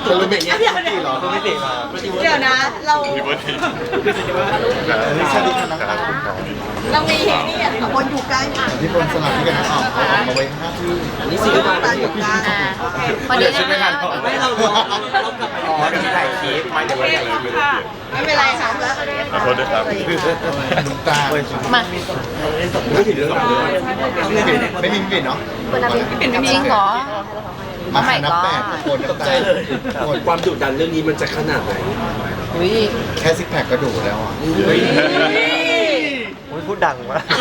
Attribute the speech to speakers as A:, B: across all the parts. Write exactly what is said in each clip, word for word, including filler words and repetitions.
A: ตัวเป็นอย่างเงี้ยที่หรอตัวไม่ติดมา
B: เดี๋ยวนะเรา
A: นี่ชาดีกันนะครับ
B: เรามีนี่อ่ะคนอยู่ใกล้อ่ะ
A: ที่คนสลับที่กันออกเอาออกมาไว้ห้าที่
B: นี่สี่ตาอยู่กลาง
A: คนเดียวชิดไม่ทันไม่เราเราเรากลับไปอ๋อที่ถ่ายคลิปไม่เดี๋ยวเราถ่ายคลิป
B: ไม่เป็นไรค่ะ
C: ขอโทษด้วยครับ
A: น้ำตา
B: มา
A: ไม่ถึงเรื่องไม่มีปิดเนาะ
B: จริงเหรอ
A: มาหานับแปดคนตกใจเลย
D: ความดุดันเรื่องนี้มันจะขนาดไหน
A: แค่ซิกแพคก็ดุแล้วอ่ะ
E: พูดดังมาก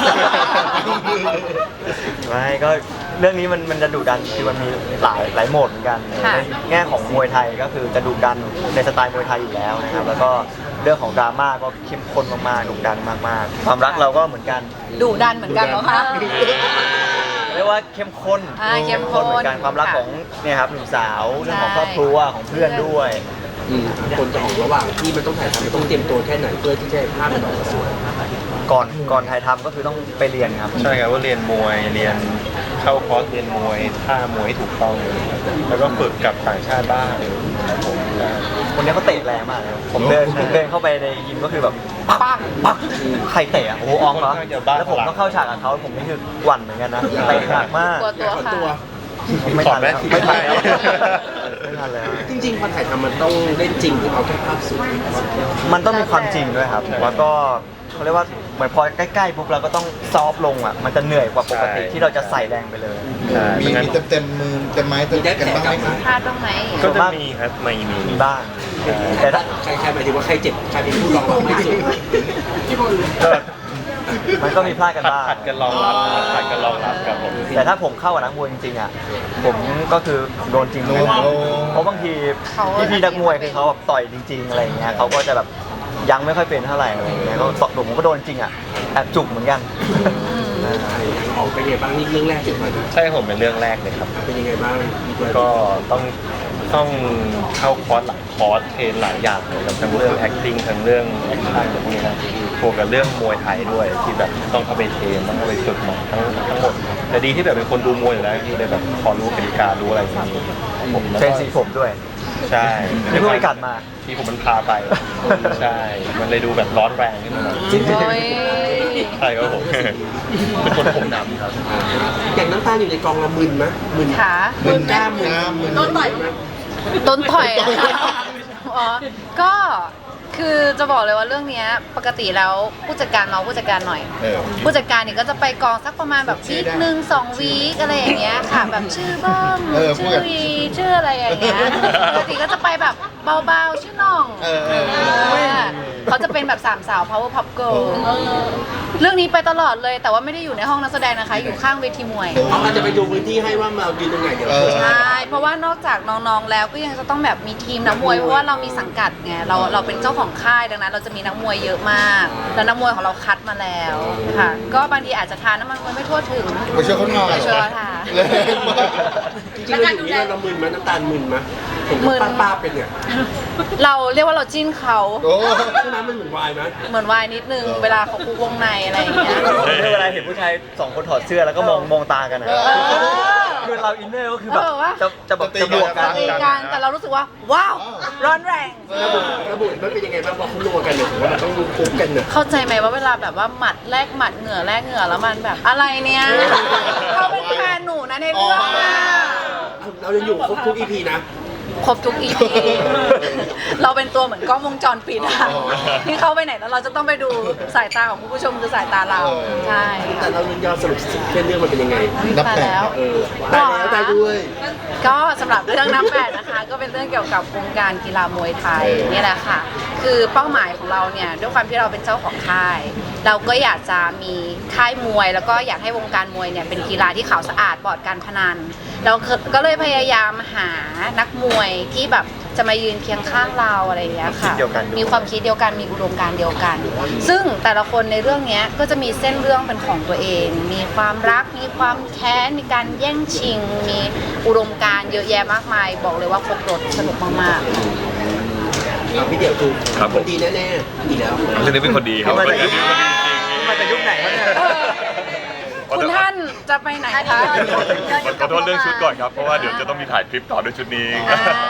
E: ไม่ก็เรื่องนี้มันมันจะดุดันคือมันมีหลายหลายโหมดเหมือนกันในแง่ของมวยไทยก็คือจะดุดันในสไตล์มวยไทยอยู่แล้วนะครับแล้วก็เรื่องของดราม่าก็เข้มข้นมากๆดุดันมากๆความรักเราก็เหมือนกัน
B: ดุดันเหมือนกันเหรอคะ
E: เรียกว่าเข้มข้น
B: เข้มข้น
E: เหมือนกันความรักของเนี่ยครับหนุ่มสาวเรื่องของครอบครัวของเพื่อนด้วย
D: คนจะออกระหว่างที่มันต้องถ่ายทำมันต้องเตรียมตัวแค่ไหนเพื่อที่จะภาพมันออกมาสวย
E: ก่อนก่อนถ่ายทำก็คือต้องไปเรียนครับ
C: ใช่ครับว่าเรียนมวยเรียนเข้าคอร์สเรียนมวยท่ามวยให้ถูกต้องแล้วก็ฝึกกับต่างชาติบ้างครับผม
E: คนนี้เขาเตะแรงมากเลยผมเดินเดินเข้าไปในยิมก็คือแบบปังปังใครเตะอ่ะโอ้อองเหรอแล้วผมต้องเข้าฉากกับเขาผมนี่คือหวั่นเหมือนกันนะเตะหนักมาก
B: ตัวตัว
E: ไม่ทันแล้วไม่ทันแล้วไม่ทันแล้ว
D: จริงๆพอถ่ายทำมันต้องเล่นจริงหรือเอาแค่ภาพสวย
E: มันต้องมีความจริงด้วยครับแล้วก็เขาเรียกว่าเหมือนพอใกล้ๆปุ๊บเราก็ต้องซอฟลงอ่ะมันจะเหนื่อยกว่าปกติที่เราจะใส่แรงไปเลย
A: มีมีเต็มเต็มมือเต็มไม้เต็มกันบ้างไหม
B: พลาดตรงไหน
C: ก็จะมีครับไม่มี
E: มีบ้างแต่ถ้า
D: ใครใครหมายถึงว่าใครเจ็บใครเป็นผู้รองไม่สุดที่บอล
E: มันก็มีพลาดกันบ้าง
C: ผัดกันรองรับผัดกันรองรับกับผม
E: แต่ถ้าผมเข้ากับนักมวยจริงๆอ่ะผมก็คือโดนจริงเพราะบางทีพี่พี่นักมวยคือเขาแบบต่อยจริงๆอะไรอย่างเงี้ยเขาก็จะแบบยังไม่ค่อยเป็นเท่าไหร่อะไรอย่างเงี้ยก็ตผมก็โดนจริงอ่ะแอบจุกเหมือนกัน
D: ออกเป็นยังไงบ้างนี่เรื่องแรกจุดไหม
C: ใช่ผมเป็นเรื่องแรกเลยครับ
D: เป็นยังไงบ้าง
C: ก็ต้องต้องเข้าคอร์สหลายคอร์สเทรนหลายอย่างเลยทั้งเรื่อง acting ทั้งเรื่อง action พวกนี้นะบวกกับเรื่องมวยไทยด้วยที่แบบต้องเข้าไปเทรนต้องเข้าไปฝึกมาทั้งทั้งหมดแต่ดีที่แบบเป็นคนดูมวยอยู่แล้วที่ได้แบบพอรู้กติการู้อะไรอย่างนี้
E: ผมเทรนสีผมด้วย
C: ใช่
E: ที่เพิ่งไปกัดมา
C: ที่ผมมันพาไปใช่มันเลยดูแบบร้อนแรงขึ้นมาหน่อยใช่ครับผมเป็นคนผมดำครับ
D: อย่างน้ำตาลอยู่ในกองละมึนไหมมึน
B: ขา
D: มึนกล้ามมึน
B: ต้นต่อยต้นต่อยอ๋อก็คือจะบอกเลยว่าเรื่องนี้ปกติแล้วผู้จัดการเราผู้จัดการหน่อยผู้จัดการเนี่ยก็จะไปกองสักประมาณแบบวีคหนึ่งสองวีคอะไรอย่างเงี้ยค่ะแบบชื่อเบิ้มชื่อวีชื่ออะไรอย่างเงี้ยปกติก็จะไปแบบเบาๆชื่อน้องเขาจะเป็นแบบสามสาว power pop girl เรื่องนี้ไปตลอดเลยแต่ว่าไม่ได้อยู่ในห้องนักแสดงนะคะอยู่ข้างเวทีมวย
D: เขาอาจจะไปดูพื้นที่ให้ว่ามาอยู่ตรงไหนเดี๋ยว
B: ใช่เพราะว่านอกจากน้องๆแล้วก็ยังจะต้องแบบมีทีมนักมวยเพราะว่าเรามีสังกัดไงเราเราเป็นเจ้าของค่ายดังนั้นเราจะมีนักมวยเยอะมากแล้วนักมวยของเราคัดมาแล้วค่ะก็บางทีอาจจะทานน้ำมันมวยไม่ทั่วถึง
A: ไปช่วยเขาหน่อย
B: ไปช่วยเขาทาน
D: จริงๆเราอยู่นี่เรามึนมั้ยน้ำตาลมึนมั้ยเห็นป้าๆเป็นเนี่ย
B: เราเรียกว่าเราจิ้นเขา
D: ใช่ไหมมันเหมือนวายไหม
B: เหมือนวายนิดนึงเวลาเขาคุกวงในอะไรอย่างเงี้ย
E: เวลาเห็นผู้ชายสองคนถอดเสื้อแล้วก็มองมองตากันนะคือเราอินเนอร์ก็คือแบบจะจะแบบจะบวกกัน
B: แต่เรารู้สึกว่าว้าวร้อนแรง
D: ระบุมันเป็นยังไงบ้างพอเขารัวกันเนี่ยผมว่ามันต้องคุกกันเนี่ย
B: เข้าใจไหมว่าเวลาแบบว่าหมัดแลกหมัดเหงื่อแลกเหงื่อแล้วมันแบบอะไรเนี่ยเขาเป็นแฟนหนูนะในเรื่อง
D: เราจะอยู่ครบทุก อี พี นะ
B: ครบทุก อี พี เราเป็นตัวเหมือนกล้องวงจรปิดอะที่เข้าไปไหนแล้วเราจะต้องไปดูสายตาของผู้ชมคือสายตาเราใช่
D: แต่เรายอดสรุปเรื่องมันเป็นยังไง
B: นับแปดแล้ว
D: ตายแล้วตายด้วย
B: ก็สำหรับเรื่องนับแปดนะคะก็เป็นเรื่องเกี่ยวกับวงการกีฬามวยไทยนี่แหละค่ะคือเป้าหมายของเราเนี่ยด้วยความที่เราเป็นเจ้าของค่ายเราก็อยากจะมีค่ายมวยแล้วก็อยากให้วงการมวยเนี่ยเป็นกีฬาที่ขาวสะอาดปลอดการพนันเราก็เลยพยายามหานักมวยที่แบบจะมายืนเคียงข้างเราอะไรอย่างเงี้ยค่ะมีความคิดเดียวกันมีอุดมการณ์เดียวกันซึ่งแต่ละคนในเรื่องนี้ก็จะมีเส้นเรื่องเป็นของตัวเองมีความรักมีความแค้นมีการแย่งชิงมีอุดมการณ์เยอะแยะมากมายบอกเลยว่าครบรสสนุกมาก
D: ๆพี่เดี่ยวดูคนดีแน่ๆอีกแล้ว
C: เรื่องนี้เป็นคนดีครับคนนี้เป็นคนดีจริง
E: มาจากยุคไหนวะเนี่ย
B: คุณท่านจะไปไหนคะ
C: ขอโทษเรื่องชุดก่อนครับเพราะว่าเดี๋ยวจะต้องมีถ่ายคลิปต่อด้วยชุดนี้แ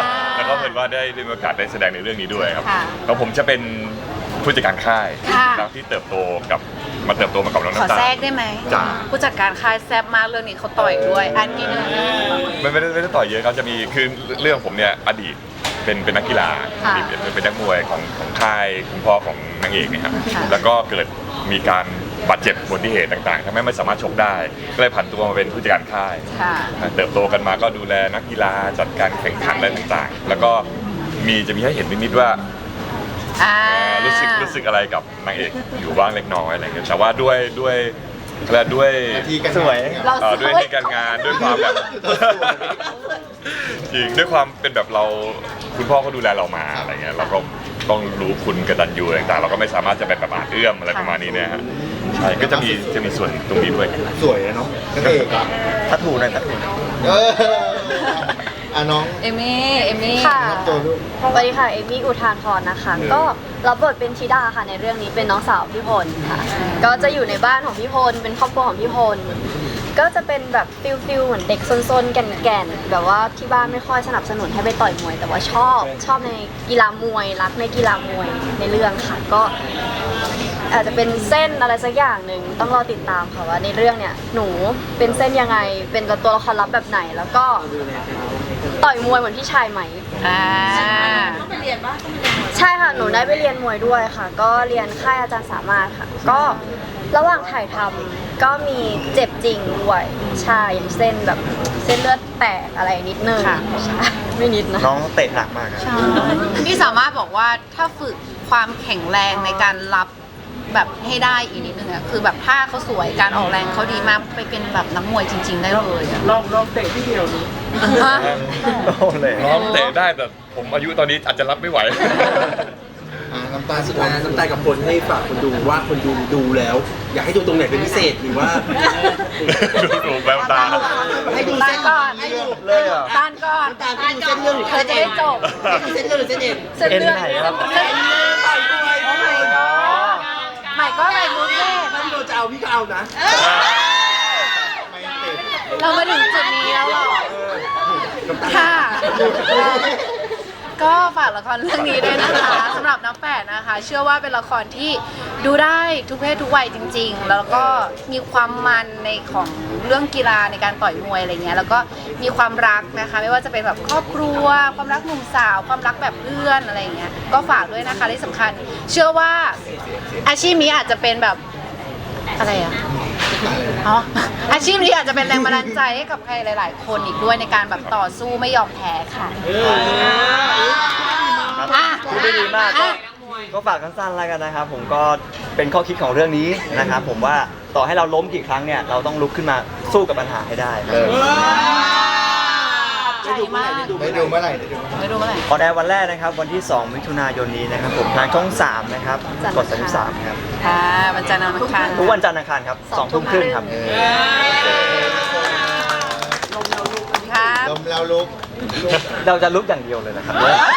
F: แล้วก็เห็นว่าได้ได้มีโอกาสได้แสดงในเรื่องนี้ด้วยครับ
B: ค่ะ
F: แล้วผมจะเป็นผู้จัดการค่าย
B: ค่ะ
F: แล้วที่เติบโตกับมาเติบโตมากับน้อง
B: ขอ
F: น้ำตาล
B: แทรกได้ไหม
F: จ้า
B: ผู้จัดการค่ายแซบมากเรื่องนี้เขาต่อยด้วยอันนี้นึง
F: ไม่ไม่ได้ไม่ได้ต่อยเยอะครับจะมีคือเรื่องผมเนี่ยอดีตเป็นเป็นนักกีฬา
B: ค่ะ
F: อดีตเป็นเป็นนักมวยของของค่ายคุณพ่อของนางเอกเนะครับ
B: ค่ะ
F: แล้วก็เกิดมีการบาดเจ็บอุบัติเหตุต่างๆทำให้ไม่สามารถชกได้ ก็เลยผันตัวมาเป็นผู้จัดการค่าย
B: ค่ะ
F: เติบโตกันมาก็ดูแลนักกีฬาจัดการแข่งขันอะไรต่างๆ แล้วก็มีจะมีให้เห็นนิดๆว่า
B: อ่า
F: เอ่อรู้สึกรู้สึกอะไรกับนางเอกอยู่บ้างเล็กน้อยอะไรเงี้ยแต่ว่าด้วยด้วยและด้วย
E: สวย
B: เรา
F: เอ่อ
B: ส
F: ด้วย
B: วย
F: ที่การงานด้วยความแบบจริงด้วยความเป็นแบบเราคุณพ่อเขาดูแลเรามาอะไรเงี้ยเราก็ต้องรู้คุณกตัญญูอะไรต่างๆเราก็ไม่สามารถจะเป็นแบบอาจเอื้อมอะไรประมาณนี้เนี่ยฮะใช่ก็จะมีจะมีส่วนตรงนี้ด้วย
A: สวยนะเนาะนักเอกอะ
E: ทัดถูหน่อยทัดถูหน่อย
A: เอออ่ะน้อง
B: เอมี่เอมี่
G: ค่ะ
A: ตัวลูก
G: สวัสดีค่ะ เอมี่อุทานพรนะคะ ก็รับบทเป็นธิดาค่ะในเรื่องนี้เป็นน้องสาวพี่พลค่ะ ก็จะอยู่ในบ้านของพี่พล เป็นครอบครัวของพี่พล ก็จะเป็นแบบฟิลฟิลเหมือนเด็กซนๆแก่นๆ แบบว่าที่บ้านไม่ค่อยสนับสนุนให้ไปต่อยมวย แต่ว่าชอบชอบในกีฬามวย รักในกีฬามวยในเรื่องค่ะ ก็ อาจจะเป็นเส้นอะไรสักอย่างหนึ่งต้องรอติดตามค่ะว่าในเรื่องเนี่ยหนูเป็นเส้นยังไงเป็นตัวละครลับแบบไหน แล้วก็ต่อยมวยเหมือนพี่ชายไหม
B: อ่า
G: ใช่ค่ะหนูได้ไปเรียนมวยด้วยค่ะ ก็เรียนค่ายอาจารย์สามารถค่ะ ก็ระหว่างถ่ายทำก็มีเจ็บจริงด้วยใช่อย่างเส้นแบบเส้นเลือดแตกอะไรนิดนึง
B: ค่ะ
G: ใช่ไม่นิดนะ
E: น้องเตะหนักมากครับ
B: พี่สามารถบอกว่าถ้าฝึกความแข็งแรงในการรับแบบให้ได้อีกนิดนึงอะคือแบบท่าเขาสวยการออกแรงเขาดีมากไปเป็นแบบนักมวยจริง ๆ ได้เลยอะ
D: ลองลองเตะที่เดียวนี้
B: ฮะ
E: โอ้เลย
F: น้องเตะได้แต่ผมอายุตอนนี้อาจจะรับไม่ไหว
A: อ่ะน้ำตาล
D: สุดท้ายน้ำตาลกับคนให้ฝากคนดูว่าคนดูดูแล้ว อยากให้ดูตรงไหนเป็นพิเศษหรือว่า
F: ดูดูแววตา
D: ให้ดู
B: ต้า
D: เส้
B: น
D: น
B: ก่อน
E: เลยอ่ะ
B: ต้านก่อน
D: น้ำตาลให้ดูเส้นเรื่องหรือ
B: เธอจะได้จบ
D: เส้นเรื่องหรือเส้นเอ็น
B: เส้นเรื่อง
E: เอ็นไหนครับ
B: เส้นเรื่องใหม่ก็ใหม่ก็ใหม่รู้เล่
D: ถ้าพี่โดนจะเอาพี่ก็เอานะ
B: เรามาถึงจุดนี้แล้วเหรอค่ะ ก็ฝากละครเรื่องนี้ด้วยนะคะสำหรับน้ำแปดนะคะ เชื่อว่าเป็นละครที่ดูได้ทุกเพศทุกวัยจริง ๆ แล้วก็มีความมันในของเรื่องกีฬาในการต่อยมวยอะไรเงี้ยแล้วก็มีความรักนะคะ ไม่ว่าจะเป็นแบบครอบครัว ความรักหนุ่มสาว ความรักแบบเพื่อนอะไรเงี้ยก็ฝากด้วยนะคะที่สำคัญ เชื่อว่าอาชีพนี้อาจจะเป็นแบบอะไรอะอ๋ออาชีพนี้อาจจะเป็นแรงบันดาลใจให้กับใครหลาย ๆ คนอีกด้วยในการแบบต่อสู้ไม่ยอมแพ้ค่ะ อ่ะ
E: พูดได้ดีมากก็
B: อ่ะ
E: ก็ฝากสั้นๆแล้วกันนะครับ ผมก็เป็นข้อคิดของเรื่องนี้นะครับ ผมว่าต่อให้เราล้มกี่ครั้งเนี่ยเราต้องลุกขึ้นมาสู้กับปัญหาให้ได้
B: ใจมาก
A: ได้ดูเมื่อไหร่ได้ดู
B: ไม่รู้เมื่อไหร่
E: ออนแอร์วันแรกนะครับวันที่สองมิถุนายนนี้นะครับผมทางช่องสามนะครับกดสามสิบสามครับ
B: ค่ะวันจันทร์อังคาร
E: ทุกวันจันทร์อังคารครับสองทุ่มครึ่งครับ
B: ครับ
A: ลมแล้วลุก
E: เราจะลุกอย่างเดียวเลยนะครับ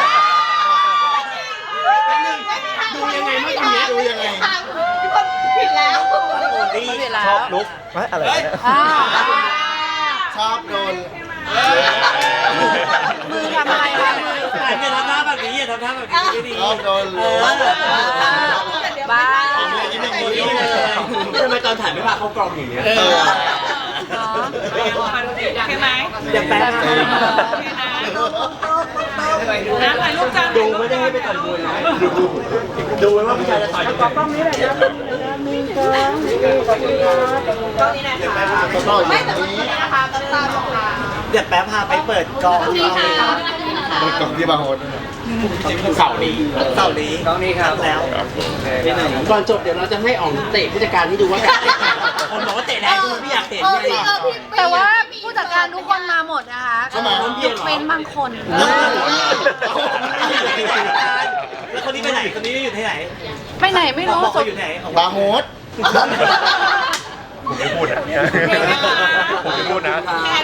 D: ดูยังไงไม่ทำเนี้ย
A: ดูยังไง
B: ผิดแล้
E: ชอบ
B: ว
E: ลุกเฮ้ยอะไรเนี่ย
B: อ่า
A: ชอบโดน
B: มือทำอะไรคะมือ
D: แต่เนี่ยทำท่าแบบนี้อย่าทำท่าแบบนี้ไม่ดี
A: ชอบโดนลุก
B: บ้า
D: ทำไมตอนถ่ายไม่พาเข้ากล้องอย่างเงี้ย
A: เออ
H: ใช่ไหม
D: อย่าแปล
H: น้ำถ่ายรูปกัน
D: ดูไม่ได้ให้ไปต่อยมวยนะดูดูไว้ว่าผู้ชายจะต่อยยังไง
H: กล้องนี้แหละนะ
A: ไม่แต่วันนี้
D: เดี๋ยวแป๊บพาไปเปิดกอง
A: มันกล่องที่บางโฮส
D: เสาร์นี้เสาร์นี้กองนี้ครับแล้วก่อนจบเดี๋ยวเราจะให้อ๋องเตะผู้จัดการที่ดูว่าคนบอกว่าเตะแรงคุณไม่อยากเตะด้วย
B: แต่ว่าผู้จัดการทุกคนมาหมดนะคะยกเว้นบางคน
D: แล้วคนนี้ไปไหนคนนี้อยู่ที่ไหน
B: ไปไหนไม่รู้
D: บอกเขาอยู่ไหน
A: บางโฮส
F: ผมไม่พูดอ่ะผมไม่พูดนะ